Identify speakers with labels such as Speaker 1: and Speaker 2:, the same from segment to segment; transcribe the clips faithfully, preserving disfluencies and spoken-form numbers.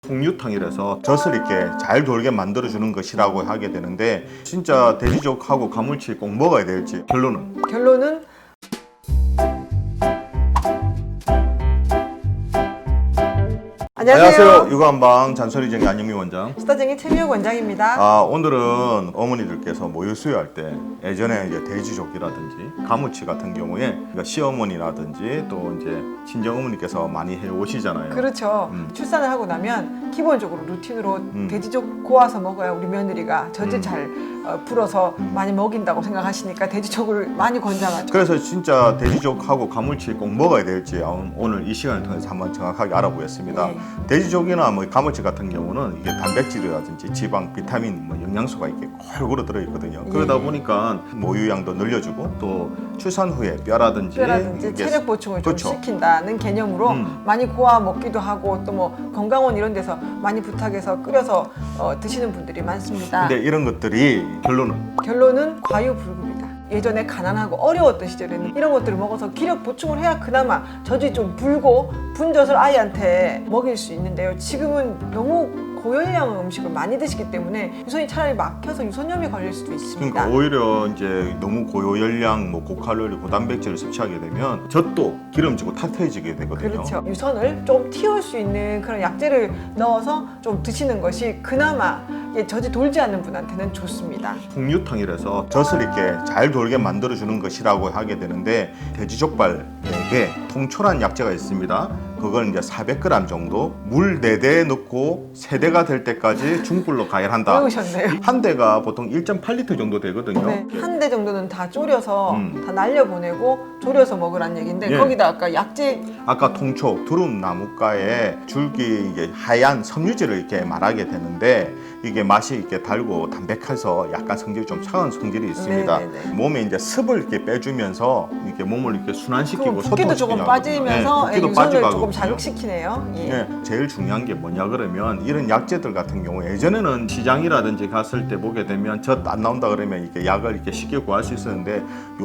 Speaker 1: 풍류탕이라서 젖을 이렇게 잘 돌게 만들어주는 것이라고 하게 되는데, 진짜 돼지족하고 가물치 꼭 먹어야 될지 결론은?
Speaker 2: 결론은 안녕하세요.
Speaker 1: 안녕하세요. 육아한방 잔소리쟁이 안영미 원장.
Speaker 2: 수다쟁이 최미옥 원장입니다.
Speaker 1: 아, 오늘은 어머니들께서 모유 수유할 때 예전에 이제 돼지족이라든지 가무치 같은 경우에 그러니까 시어머니라든지 또 이제 친정 어머니께서 많이 해 오시잖아요.
Speaker 2: 그렇죠.
Speaker 1: 음.
Speaker 2: 출산을 하고 나면 기본적으로 루틴으로
Speaker 1: 음.
Speaker 2: 돼지족 고아서 먹어야 우리 며느리가 젖을
Speaker 1: 음.
Speaker 2: 잘 어, 불어서
Speaker 1: 음.
Speaker 2: 많이 먹인다고 생각하시니까 돼지족을 많이 권장하죠.
Speaker 1: 그래서 진짜 돼지족하고 가물치 꼭 먹어야 될지 오늘 이 시간을 통해서 한번 정확하게 알아보겠습니다.
Speaker 2: 네.
Speaker 1: 돼지족이나 뭐 가물치 같은 경우는 이게 단백질이라든지 지방, 비타민, 뭐 영양소가 이렇게 골고루 들어있거든요. 그러다
Speaker 2: 예.
Speaker 1: 보니까 모유양도 늘려주고 또 출산 후에 뼈라든지,
Speaker 2: 뼈라든지
Speaker 1: 이게
Speaker 2: 체력 보충을 좀
Speaker 1: 그렇죠.
Speaker 2: 시킨다는 개념으로
Speaker 1: 음.
Speaker 2: 많이 고아 먹기도 하고 또 뭐 건강원 이런 데서 많이 부탁해서 끓여서 어, 드시는 분들이 많습니다.
Speaker 1: 근데 이런 것들이 결론은
Speaker 2: 결론은 과유불급이다. 예전에 가난하고 어려웠던 시절에는 이런 것들을 먹어서 기력 보충을 해야 그나마 젖이 좀 불고 분젖을 아이한테 먹일 수 있는데요. 지금은 너무 고열량 음식을 많이 드시기 때문에 유선이 차라리 막혀서 유선염이 걸릴 수도 있습니다.
Speaker 1: 그러니까 오히려 이제 너무 고열량, 뭐 고칼로리, 고단백질을 섭취하게 되면 젖도 기름지고 탁해지게 되거든요.
Speaker 2: 그렇죠. 유선을 좀 틔울 수 있는 그런 약재를 넣어서 좀 드시는 것이 그나마 젖이 돌지 않는 분한테는 좋습니다.
Speaker 1: 풍류탕이라서 젖을 이렇게 잘 돌게 만들어주는 것이라고 하게 되는데, 돼지족발 네 개, 통초란 약재가 있습니다. 그걸 이제 사백 그램 정도 물 네 대 넣고 세 대가 될 때까지 중불로 가열한다.
Speaker 2: 배우셨네요.
Speaker 1: 한 대가 보통 일 점 팔 리터 정도 되거든요.
Speaker 2: 네, 한 대 정도는 다 졸여서
Speaker 1: 음.
Speaker 2: 다 날려보내고 졸여서 먹으란 얘기인데
Speaker 1: 예.
Speaker 2: 거기다 아까 약재
Speaker 1: 아까 통초, 두릅 나무가에 줄기 이게 하얀 섬유질을 이렇게 말하게 되는데, 이게 맛이 이렇게 달고 담백해서 약간 성질이 좀 차가운 성질이 있습니다.
Speaker 2: 네네네.
Speaker 1: 몸에 이제 습을 이렇게 빼주면서 이렇게 몸을 이렇게 순환시키고
Speaker 2: 그럼 붓기도 조금
Speaker 1: 소통시키는
Speaker 2: 빠지면서
Speaker 1: 네,
Speaker 2: 예,
Speaker 1: 붓기도
Speaker 2: 유선을
Speaker 1: 빠지고
Speaker 2: 조금
Speaker 1: 하거든요.
Speaker 2: 자극시키네요. 예.
Speaker 1: 네, 제일 중요한 게 뭐냐 그러면 이런 약재들 같은 경우 예전에는 시장이라든지 갔을 때 보게 되면 젖 안 나온다 그러면 이렇게 약을 이렇게 쉽게 구할 수 있었는데,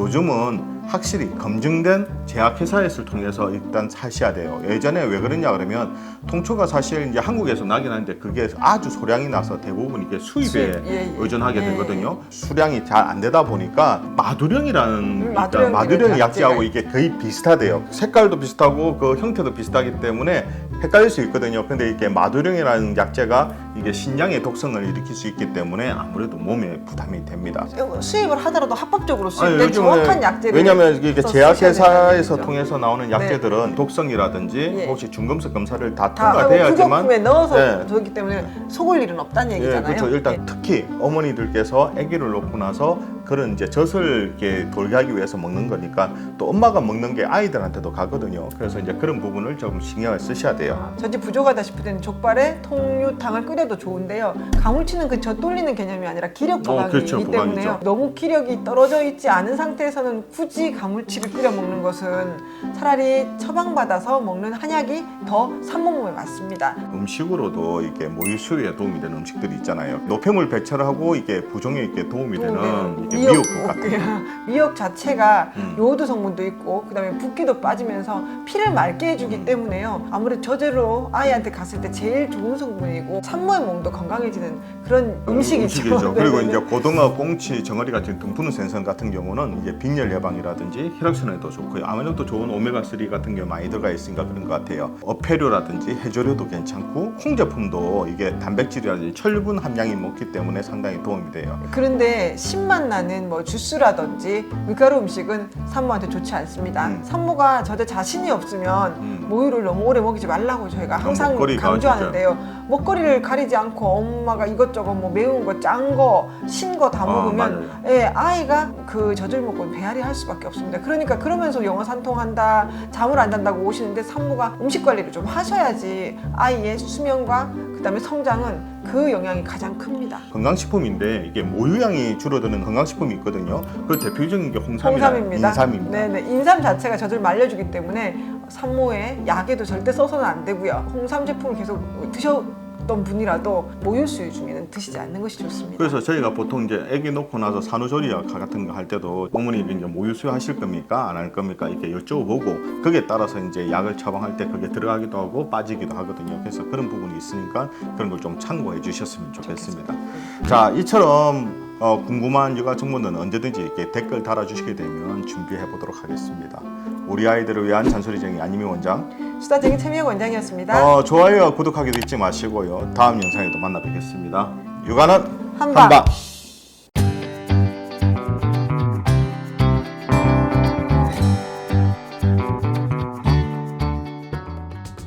Speaker 1: 요즘은 확실히 검증된 제약회사에서 통해서 일단 사셔야 돼요. 예전에 왜 그러냐 그러면 통초가 사실 이제 한국에서 나긴 하는데 그게 아주 소량이 나서 대부분 이게 수입에
Speaker 2: 수입, 예, 예.
Speaker 1: 의존하게
Speaker 2: 예,
Speaker 1: 되거든요. 수량이 잘 안 되다 보니까 마두령이라는
Speaker 2: 음,
Speaker 1: 그러니까
Speaker 2: 마두령
Speaker 1: 마두령 약재하고
Speaker 2: 약재가
Speaker 1: 이게 거의 비슷하대요. 색깔도 비슷하고 그 형태도 비슷하기 때문에 헷갈릴 수 있거든요. 근데 이게 마두령이라는 약재가 이게 신장의 독성을 일으킬 수 있기 때문에 아무래도 몸에 부담이 됩니다.
Speaker 2: 수입을 하더라도 합법적으로
Speaker 1: 아니,
Speaker 2: 수입된
Speaker 1: 요즘에
Speaker 2: 정확한 약재를
Speaker 1: 왜냐하면 이게
Speaker 2: 써서
Speaker 1: 제약회사에서
Speaker 2: 쓰셔야
Speaker 1: 통해서 나오는 약재들은 독성이라든지
Speaker 2: 예.
Speaker 1: 혹시 중금속 검사를 다
Speaker 2: 다 하고
Speaker 1: 통과돼야지만
Speaker 2: 구조품에 넣어서
Speaker 1: 네.
Speaker 2: 저기 때문에 속을 일은 없다는
Speaker 1: 예,
Speaker 2: 얘기잖아요.
Speaker 1: 그렇죠. 일단
Speaker 2: 예.
Speaker 1: 특히 어머니들께서 아기를 놓고 나서 그런 이제 젖을 이렇게 돌게 하기 위해서 먹는 거니까 또 엄마가 먹는 게 아이들한테도 가거든요. 그래서 이제 그런 부분을 조금 신경을 쓰셔야 돼요.
Speaker 2: 젖이 부족하다 싶을 때는 족발에 통유탕을 끓여도 좋은데요. 가물치는 그 젖 돌리는 개념이 아니라 기력 보강이기
Speaker 1: 어, 그렇죠,
Speaker 2: 때문에요.
Speaker 1: 보강이죠.
Speaker 2: 너무 기력이 떨어져 있지 않은 상태에서는 굳이 가물치를 끓여 먹는 것은 차라리 처방받아서 먹는 한약이 더 산모몸에 맞습니다.
Speaker 1: 음식으로도 이게 모유 수유에 도움이 되는 음식들이 있잖아요. 노폐물 배출을 하고 이게 부종에 이렇게 도움이 되는 이게
Speaker 2: 미역,
Speaker 1: 미역국 같은 거.
Speaker 2: 미역 자체가
Speaker 1: 음.
Speaker 2: 요오드 성분도 있고 그다음에 붓기도 빠지면서 피를 맑게 해주기
Speaker 1: 음.
Speaker 2: 때문에요. 아무래도 저제로 아이한테 갔을 때 제일 좋은 성분이고 산모의 몸도 건강해지는 그런 음식이죠.
Speaker 1: 음식이죠. 그리고
Speaker 2: 네네네.
Speaker 1: 이제 고등어, 꽁치, 정어리 같은 등푸른 생선 같은 경우는 이제 빈혈 예방이라든지 혈액순환에도 좋고요. 아무래도 좋은 오메가삼 같은 게 많이 들어가 있으니까 그런 것 같아요. 어패류라든지 해조류도 괜찮고 콩 제품도 이게 단백질이라든지 철분 함량이 높기 때문에 상당히 도움이 돼요.
Speaker 2: 그런데 신맛 나는 뭐 주스라든지 밀가루 음식은 산모한테 좋지 않습니다.
Speaker 1: 음.
Speaker 2: 산모가 저제 자신이 없으면
Speaker 1: 음.
Speaker 2: 모유를 너무 오래 먹이지 말라고 저희가 항상
Speaker 1: 먹거리가
Speaker 2: 강조하는데요. 먹거리를 가리지 않고 엄마가 이것저것 뭐 매운 거, 짠 거, 신 거 다
Speaker 1: 아,
Speaker 2: 먹으면
Speaker 1: 맞아요.
Speaker 2: 예, 아이가 그 젖을 먹고 배앓이 할 수밖에 없습니다. 그러니까 그러면서 영어 산통한다, 잠을 안 잔다고 오시는데 산모가 음식 관리를 좀 하셔야지 아이의 수명과 그다음에 성장은 그 영향이 가장 큽니다.
Speaker 1: 건강식품인데 이게 모유량이 줄어드는 건강식품이 있거든요. 그 대표적인 게 홍삼이나
Speaker 2: 홍삼입니다.
Speaker 1: 인삼입니다.
Speaker 2: 네네. 인삼 자체가 젖을 말려주기 때문에 산모의 약에도 절대 써서는 안 되고요. 홍삼 제품을 계속 드셔 어떤 분이라도 모유수유 중에는 드시지 않는 것이 좋습니다.
Speaker 1: 그래서 저희가 보통 이제 아기 놓고 나서 산후조리약 같은 거 할 때도 어머니 이제 모유수유 하실 겁니까? 안 할 겁니까? 이렇게 여쭤보고 거기에 따라서 이제 약을 처방할 때 그게 들어가기도 하고 빠지기도 하거든요. 그래서 그런 부분이 있으니까 그런 걸 좀 참고해 주셨으면 좋겠습니다. 자, 이처럼 어, 궁금한 육아 정보는 언제든지 이렇게 댓글 달아주시게 되면 준비해 보도록 하겠습니다. 우리 아이들을 위한 잔소리쟁이 안유미 원장,
Speaker 2: 수다쟁이 최미혁 원장이었습니다.
Speaker 1: 어, 좋아요와 구독하기도 잊지 마시고요. 다음 영상에도 만나 뵙겠습니다. 육아는
Speaker 2: 한방.
Speaker 1: 한방.